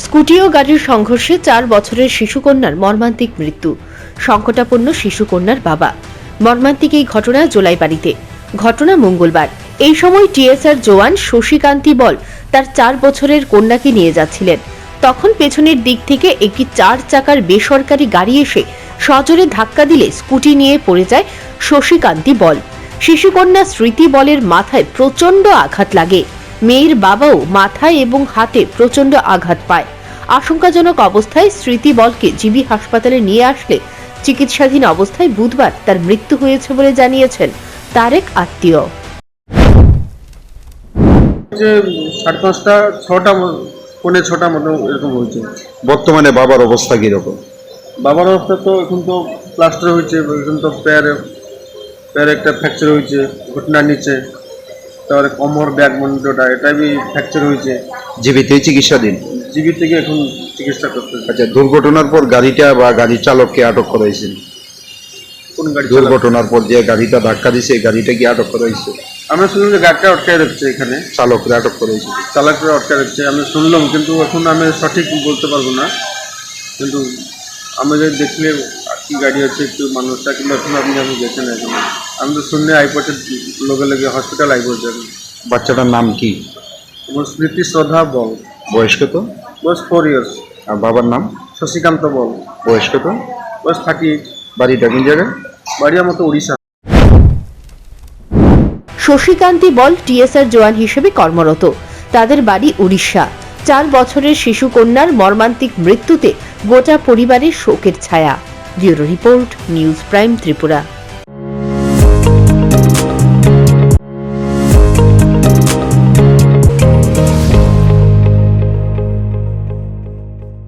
Scooty ও গাড়ির সংঘর্ষে 4 বছরের শিশুকন্যার মর্মান্তিক মৃত্যু। সংকটাপন্ন শিশুকন্যার বাবা। মর্মান্তিক এই ঘটনা জোলাইবাড়িতে। ঘটনা মঙ্গলবার। এই সময় টিএসআর জওয়ান শশীকান্তি বল তার 4 বছরের কন্যাকে নিয়ে যাচ্ছিলেন। তখন পেছনের দিক থেকে একটি 4 চাকার বেসরকারি গাড়ি এসে সজোরে ধাক্কা দিলে স্কুটি নিয়ে পড়ে যায় শশীকান্তি বল। শিশুকন্যা স্মৃতি বলের মাথায় প্রচন্ড আঘাত লাগে। মেয়ের বাবাও মাথায় এবং হাতে প্রচন্ড আঘাত পায়। আশঙ্কাজনক অবস্থায় স্মৃতি বলকে জিবি হাসপাতালে নিয়ে আসলে চিকিৎসাধীন অবস্থায় বুধবার তার মৃত্যু হয়েছে বলে জানিয়েছেন তার এক আত্মীয়। 5:30 6টা পৌনে 6টার মতো এরকম হয়েছে। বর্তমানে বাবার অবস্থা কিরকম? বাবার অবস্থা তো এখন তো প্লাস্টার হয়েছে, এখন তো প্যারে একটা ফ্র্যাকচার হয়েছে ঘটনার নিচে, তারপরে কোমর ব্যাক মন্ডটা এটা বি ফ্র্যাকচার হয়েছে। জীবিতই চিকিৎসাধীন। জিবি থেকে এখন চিকিৎসা করতেছে। আচ্ছা, দুর্ঘটনার পর গাড়িটা বা গাড়ির চালককে আটক করা হয়েছে? কোন গাড়ি? দুর্ঘটনার পর যে গাড়িটা ধাক্কা দিয়েছে এই গাড়িটা কি আটক করা হয়েছে? আমরা শুনলাম যে গাড়িটা আটকায় রাখছে, এখানে চালকরা আটক করা হয়েছে। চালকরা আটকায় রাখছে আমি শুনলাম, কিন্তু এখন আমি সঠিক বলতে পারবো না। কিন্তু আমি যদি দেখলে কি গাড়ি আছে একটু মানুষটা, কিন্তু এখন আপনি আমি দেখে না, এখন আমি তো শুনে আইপড়ছে লগে লগে হসপিটাল আইপড়ছে। বাচ্চাটার নাম কি? আমার স্মৃতি শ্রদ্ধা বল। বয়স কত? বয়স 4 years। আর বাবার নাম? শশীকান্ত বল। বয়স কত? বয়স 38। বাড়িটা কোন জায়গায়? বাড়ি আমার তো উড়িষ্যা। শশীকান্তি বল টিএসআর জওয়ান হিসেবে কর্মরত। তাদের বাড়ি উড়িষ্যা। 4 বছরের শিশু কন্যার মর্মান্তিক মৃত্যুতে গোটা পরিবারের শোকের ছায়া। Bureau report, news prime Tripura.